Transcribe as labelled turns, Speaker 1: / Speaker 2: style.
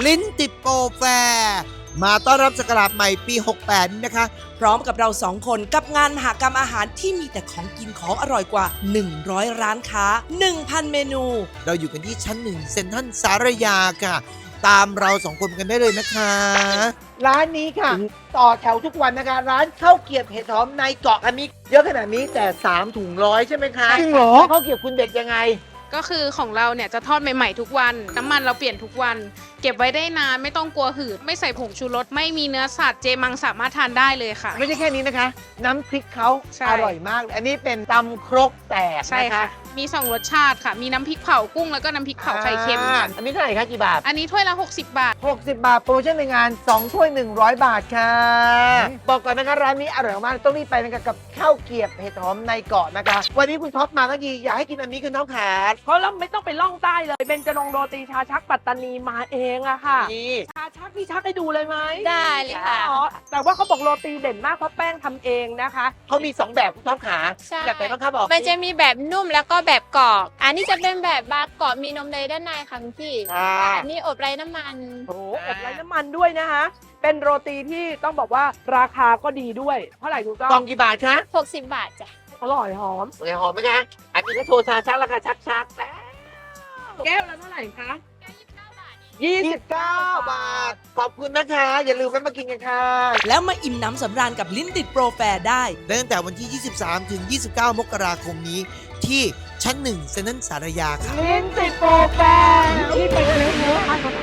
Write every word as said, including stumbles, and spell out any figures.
Speaker 1: ลิ้นติดโปรแฟร์มาต้อนรับศักราชใหม่ปีหกแปดนะคะ
Speaker 2: พร้อมกับเราสองคนกับงานมหกรรมอาหารที่มีแต่ของกินของอร่อยกว่าหนึ่งร้อยร้านค้า หนึ่งพัน เมนู
Speaker 1: เราอยู่กันที่ชั้นหนึ่งเซ็นทรัลสารยาค่ะ ตามเราสองคนกันได้เลยนะคะ
Speaker 3: ร้านนี้ค่ะ ต่อแถวทุกวันนะคะ ร้านข้าวเกรี๊ยวเห็ดหอมในเกาะอันนี้เยอะขนาดนี้แต่สามถุงร้อยใช่ไหมคะ
Speaker 4: จริงเหรอ
Speaker 3: ข้าวเกรี๊ยวคุณเด็ดยังไง
Speaker 5: ก็คือของเราเนี่ยจะทอดใหม่ๆทุกวัน น้ำมันเราเปลี่ยนทุกวัน เก็บไว้ได้นานไม่ต้องกลัวหืด ไม่ใส่ผงชูรส ไม่มีเนื้อสัตว์เจมังสามารถทานได้เลยค่ะ
Speaker 3: ไม่ใช่แค่นี้นะคะ น้ำพริกเขา
Speaker 5: ใช่
Speaker 3: อร่อยมากเลยอันนี้เป็นตำครกแตก
Speaker 5: ใช่
Speaker 3: นะคะ
Speaker 5: ค่ะ มีสองรสชาติค่ะ มีน้ำพริกเผากุ้งแล้วก็น้ำพริกเผาไข่เค็ม
Speaker 3: อ่า
Speaker 5: ค่ะ
Speaker 3: อันนี้เท่าไหร่คะกี่บาท
Speaker 5: อันนี้ถ้วยละหกสิบบาท
Speaker 3: หกสิบบาทโปรโมชั่นในงานสองถ้วยหนึ่งร้อยบาทค่ะ บอกก่อนนะคะร้านนี้อร่อยมากต้องรีบไปนะคะกับข้าวเกรี๊ยวเห็ดหอมในเกาะนะคะ วันนี้คุณท็อปมาทั้งทีอยากให้กินอันนี้คุณท็อปขา
Speaker 4: เพราะเราไม่ต้องไปล่องใต้เลยเบญจรงค์โรตีชาชักปัตตานีมาเองอะค่ะ
Speaker 3: นี่
Speaker 4: ชาชักพี่ชักให้ดูเลยไหม
Speaker 6: ได้เลยค่ะ
Speaker 4: อ๋อแต่ว่าเขาบอกโรตีเด่นมากเพราะแป้งทำเองนะคะ
Speaker 3: เขามีสองแบบคุณท็อปขา
Speaker 6: ใช่
Speaker 3: แบบไหนบ้างคะบอก
Speaker 6: มันจะมีแบบนุ่มแล้วก็แบบกรอบ อันนี้จะเป็นแบบบาร์กรอบมีนมเนยด้านในค่ะคุณพี่
Speaker 3: ค่ะ
Speaker 6: อันนี้อบไร้น้ำมัน
Speaker 4: โอ้โหอบไร้น้ำมันด้วยนะคะ เป็นโรตีที่ต้องบอกว่าราคาก็ดีด้วยเท่าไหร่ถูกต้
Speaker 3: กล่
Speaker 4: อ
Speaker 3: อง งกี่บาทคะ
Speaker 6: หกสิบบาทจ้ะ
Speaker 4: อร่อยหอม
Speaker 3: สวยหอมไหมคะอันนี้ก็โชว์ชาชักราคาชักชักแล้ว
Speaker 4: แก้วละเท่าไหร่คะ
Speaker 3: ยี่สิบเก้าบาท ขอบคุณนะคะ อย่าลืมแวะมากินกันค่ะ
Speaker 2: แล้วมาอิ่มน้ำสำราญกับลิ้นติดโปรแฟร์ได้
Speaker 1: ตั้งแต่วันที่ ยี่สิบสาม ถึง ยี่สิบเก้า มกราคมนี้ ที่ชั้นหนึ่งเซ็นทรัลสารยาค่ะ
Speaker 4: ลิ้นติดโปรแฟร์ที่ไปเลี้ยงเนื้อทาน